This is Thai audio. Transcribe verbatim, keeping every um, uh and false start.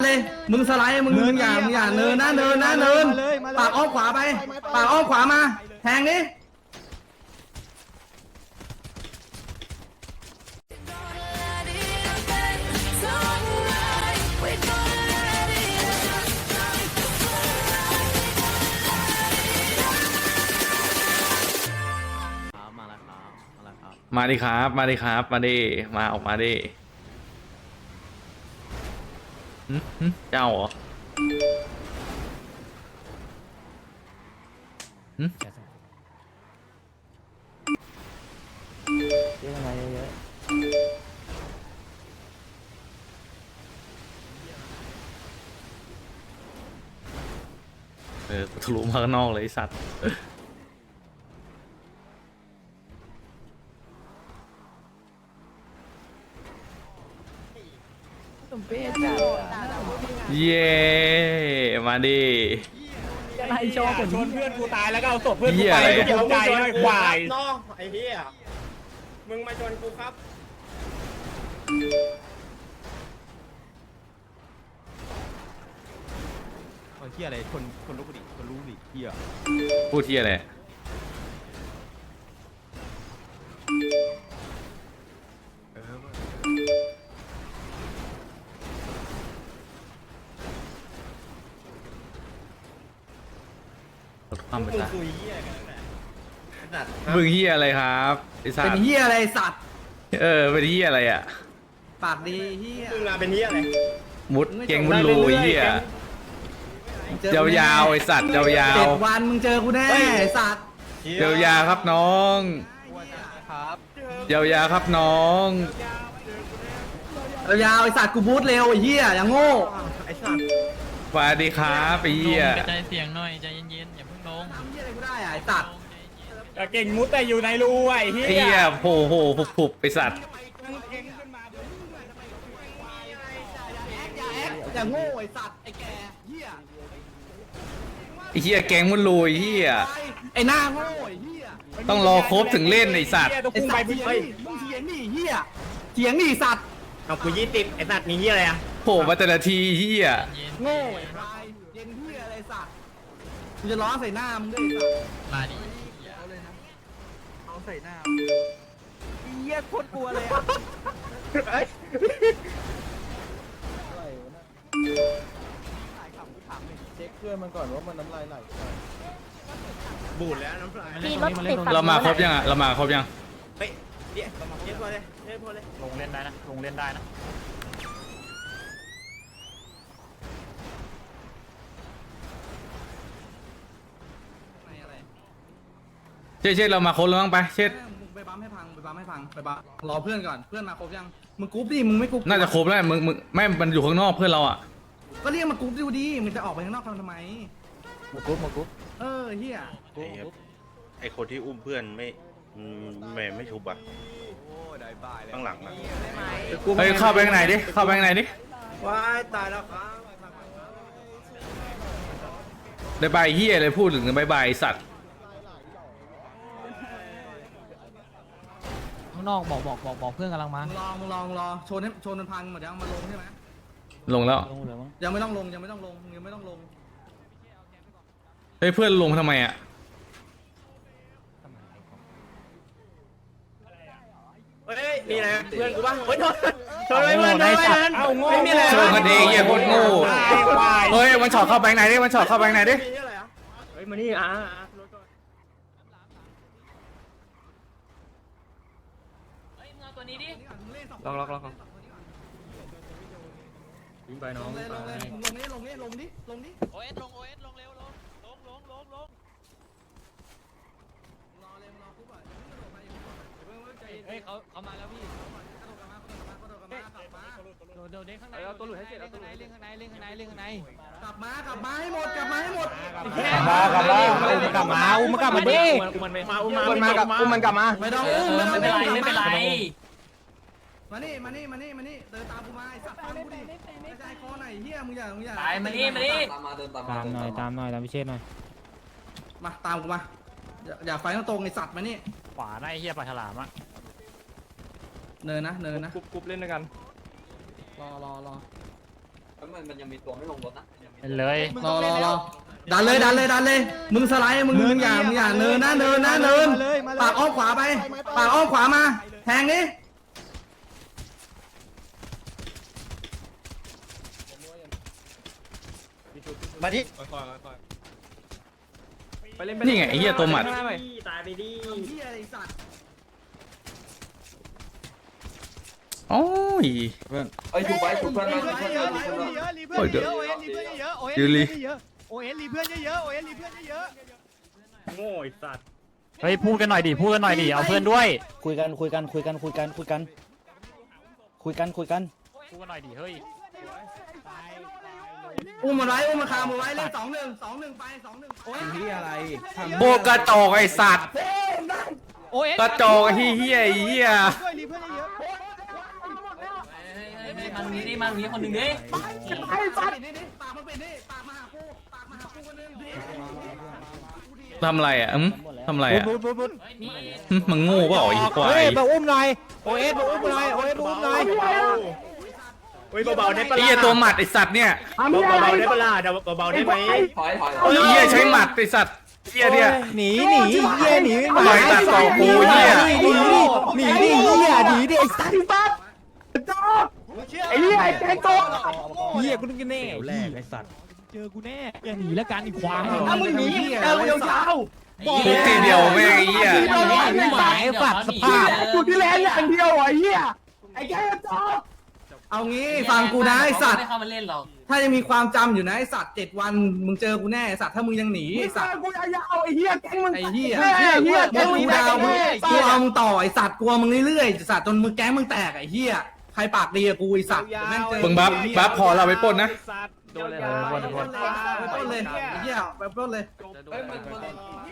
เลยมึงสไลด์มึงมึงอย่ามึงอย่าเนินนะเนินนะเนินปากอ้อมขวาไปปากอ้อมขวามาแทงดิมาดิครับมาดิครับมาดิมาออกมาดิเจ้าเหรอเยอะอะไรเยอะเออทะลุมาข้างนอกเลยไอ้สัตว์เย้มาดิไล่ชอบชนเพื่อนกูตายแล้วก็เอาศพเพื่อนกูไปกูภูมิใจด้วยควายน้องไอ้เหี้ยมึงมาชนกูครับคนเหี้ยอะไรคนคนรู้ดิคนรู้ดิเหี้ยพูดที่อะไรมึงคุยเหี้ยกันแหละมึงเหี้ยอะไรครับไอ้สัตว์เป็นเหี้ยอะไรสัตว์เออเป็นเหี้ยอะไรอ่ะปากดีเหี้ยมึงมาเป็นเหี้ยอะไรมุดเก่งมุดรูเหี้ยยาวๆไอ้สัตว์ยาวๆเจ็ดวันมึงเจอกูแน่ไอ้สัตว์ยาวๆครับน้องยาวๆครับน้องยาวไอ้สัตว์กูบูทเร็วไอ้เหี้ยอย่างโง่ไอ้สัตว์สวัสดีครับไอ้เหี้ยใจเสียงหน่อยใจเย็นๆอย่าเพิ่งลงทำเหี้ยอะไรกูได้ไอ้สัตว์เก่งมุดแต่อยู่ในรูไอ้เหี้ยไอ้เหี้ยโผล่โผล่ผุบผุบไอ้สัตว์อย่างโง่ไอ้สัตว์ไอ้แกเหี้ยไอ้เหี้ยแกงมุดรูไอ้เหี้ยไอ้หน้าโง่ไอ้เหี้ยต้องรอครบถึงเล่นไอ้สัตว์ไอ้สัตว์เถียงนี่มึงเถียงนี่เหี้ยเถียงนี่สัตว์เอากูยี่สิบไอ้สัตว์มีเหี้ยอะไรอ่ะโผล่มาแต่ละทีเหี้ยโง่ไอ้ควายเย็นเหี้ยอะไรสัตว์กูจะล้อใส่หน้ามึงด้วยสัตว์มาดิเอาเลยนะเอาใส่หน้าเหี้ยโคตรกลัวเลยอ่ะเช็คเพื่อนมันก่อนว่ามันน้ำลายไหลบูดแล้วน้ำลายเรามาครบยังอ่ะเรามาครบยังเฮ้ยเดี๋ยวเดี๋ยวพอเลยเดี๋ยวพอเลยลงเล่นได้นะลงเล่นได้นะเช็ดเช็ดเรามาครบแล้วมั้งไปเช็ดไปบัมให้พังไปบัมให้พังไปบัมรอเพื่อนก่อนเพื่อนมาครบยังมึงกรุ๊ปดิมึงไม่กรุ๊ปน่าจะครบแล้วมึงมึงไม่มันอยู่ข้างนอกเพื่อนเราอ่ะก็เรียกมากรุ๊ปดูดิมึงจะออกไปข้างนอกทำไมมากรุ๊ปมากรุ๊ปเออเฮียไอคนที่อุ้มเพื่อนไม่ไม่ไม่ชุบอ่ะข้างหลังอ่ะเฮ้ยเข้าไปข้างในดิเข้าไปข้างในดิว้ายตายแล้วครับได้ใบเฮียเลยพูดถึงใบใบสัตว์ข้างนอกบอกบอกบอกบอกเพื่อนกำลังมาลองลองรอชนให้ชนมันพังหมดยังมาลงใช่ไหมลงแล้วยังไม่ต้องลงยังไม่ต้องลงยังไม่ต้องลงเฮ้ยเพื่อนลงทำไมอ่ะเฮ้ยมีอะไรเพื่อนกูบ้างเฮ้ยชนชนเลยเพื่อนได้สัตว์เอาโง่ไม่มีอะไรชนกันเองเหี้ยโคตรโง่เฮ้ยมันช็อตเข้าแบงค์ไหนดิมันช็อตเข้าแบงค์ไหนดิเฮ้ยมานี่อ่ะลองลองลองวิ่งไปน้องลงเลยลงเลยลงนี่ลงนี่ลงดิลงดิโอเอสลงโอเอสลงเร็วลงลงลงลงลงรอเลยรอปุ๊บอ่ะเฮ้ยเขาเขามาแล้วพี่เดี๋ยวเด้งข้างในเอาตัวหลุดให้เสร็จเอาตัวหลุดเล่นข้างในเล่นข้างในเล่นข้างในกลับมากลับมาให้หมดกลับมาให้หมดกลับมากลับมากลับมาอุ้มมันกลับมาดิมันมาอุ้มมันมาอุ้มมันกลับมาไม่ต้องอุ้มไม่เป็นไรไม่เป็นไรมานี่มานี่มานี่มานี่เดินตามกูมาไอ้สัตว์ฟังกูดิไม่ใช่คอไหนเฮียมึงอย่ามึงอย่าไปมานี่มานี่ตามมาเดินตามตามหน่อยตามหน่อยตามพิเชษหน่อยมาตามกูมาอย่าไฟต้องตรงไอ้สัตว์มานี่ขวาได้เฮียปลาฉลามอะเนินนะเนินนะกรุ๊ปกรุ๊ปเล่นด้วยกันรอรอรอเลยรอรอรอดันเลยดันเลยดันเลยมึงสไลด์มึงมึงอย่ามึงอย่าเนินนะเนินนะเนินปากอ้อมขวาไปปากอ้อมขวามาแทงดิมาที่นี่ไงไอ้เหี้ยตัวหมัดตายไปดิเหี้ยอะไรสัตว์โอ้ยเอ้ยถูกไว้ถูกเพื่อนรีมาเพื่อนเยอะรีเพื่อนเยอะรีเพื่อนเยอะโอเอสรีเพื่อนเยอะโอเอสรีเยอะโอเอสรีเพื่อนเยอะโอเอสรีเพื่อนเยอะโง่ไอ้สัตว์เฮ้ยพูดกันหน่อยดิพูดกันหน่อยดิเอาเพื่อนด้วยคุยกันคุยกันคุยกันคุยกันคุยกันคุยกันคุยกันพูดกันหน่อยดิเฮ้ยอุ้มมันไว้อุ้มมันคามันไว้เลขสองหนึ่งสองหนึ่งไปสองหนึ่งโอ้ยที่อะไรโบกระจอกไอ้สัตว์โอเอสกระจอกไอ้เหี้ยไอ้เหี้ยด้วยรีเพื่อนเยอะมันมีนี่มันมีคนหนึ่งดิไอ้สัตว์นี่นี่ปากมันเป็นนี่ปากมาหากูปากมาหากูคนนึงทำอะไรอ่ะอืมทำอะไรอ่ะปุ๊บปุ๊บปุ๊บหึมึงโง่เปล่าไอ้ควายเฮ้ยมาอุ้มหน่อยโอเอสมาอุ้มหน่อยโอเอสมาอุ้มหน่อยเฮ้ยเบาๆได้ปะไอ้เหี้ยตัวหมัดไอ้สัตว์เนี่ยเบาๆได้ปะล่ะเบาๆได้ไหมถอยถอยไอ้เหี้ยใช้หมัดไอ้สัตว์เหี้ยเนี่ยหนีหนีเหี้ยหนีปล่อยตัดต่อกูเหี้ยหนีหนีหนีเหี้ยหนีดิไอ้สัตว์ปั๊บไอ้เหี้ยไอ้แกงโตเหี้ยกูนึกแน่แรกไอ้สัตว์เจอกูแน่อย่าหนีแล้วกันอีควายถ้ามึงหนีเอวยาวทุกทีเดียวแม่งไอ้เหี้ยไม่หมายฝัดสภาพกูที่แลนอย่างเดียวไอ้เหี้ยไอ้แค่จอเอางี้ฟังกูนะไอ้สัตว์ไม่เข้ามาเล่นหรอกถ้ายังมีความจำอยู่นะไอ้สัตว์เจ็ดวันมึงเจอกูแน่ไอ้สัตว์ถ้ามึงยังหนีไอ้สัตว์กูยาวไอ้เหี้ยแก๊งมึงไอ้เหี้ยเหี้ยแก๊งมึงดาวมึงกูเอามึงต่อไอ้สัตว์กลัวมึงเรื่อยๆสัตว์จนมึงแก๊งมึงแตกไอ้เหี้ยใครปากดีกับกูไอ้สัตว์แม่งเจอมึงบัฟบัฟพอเราไปปล้นนะสัตว์โดนเลยไปปล้นเลยไอ้เหี้ยไปปล้นเลยเอ้ยมันมัน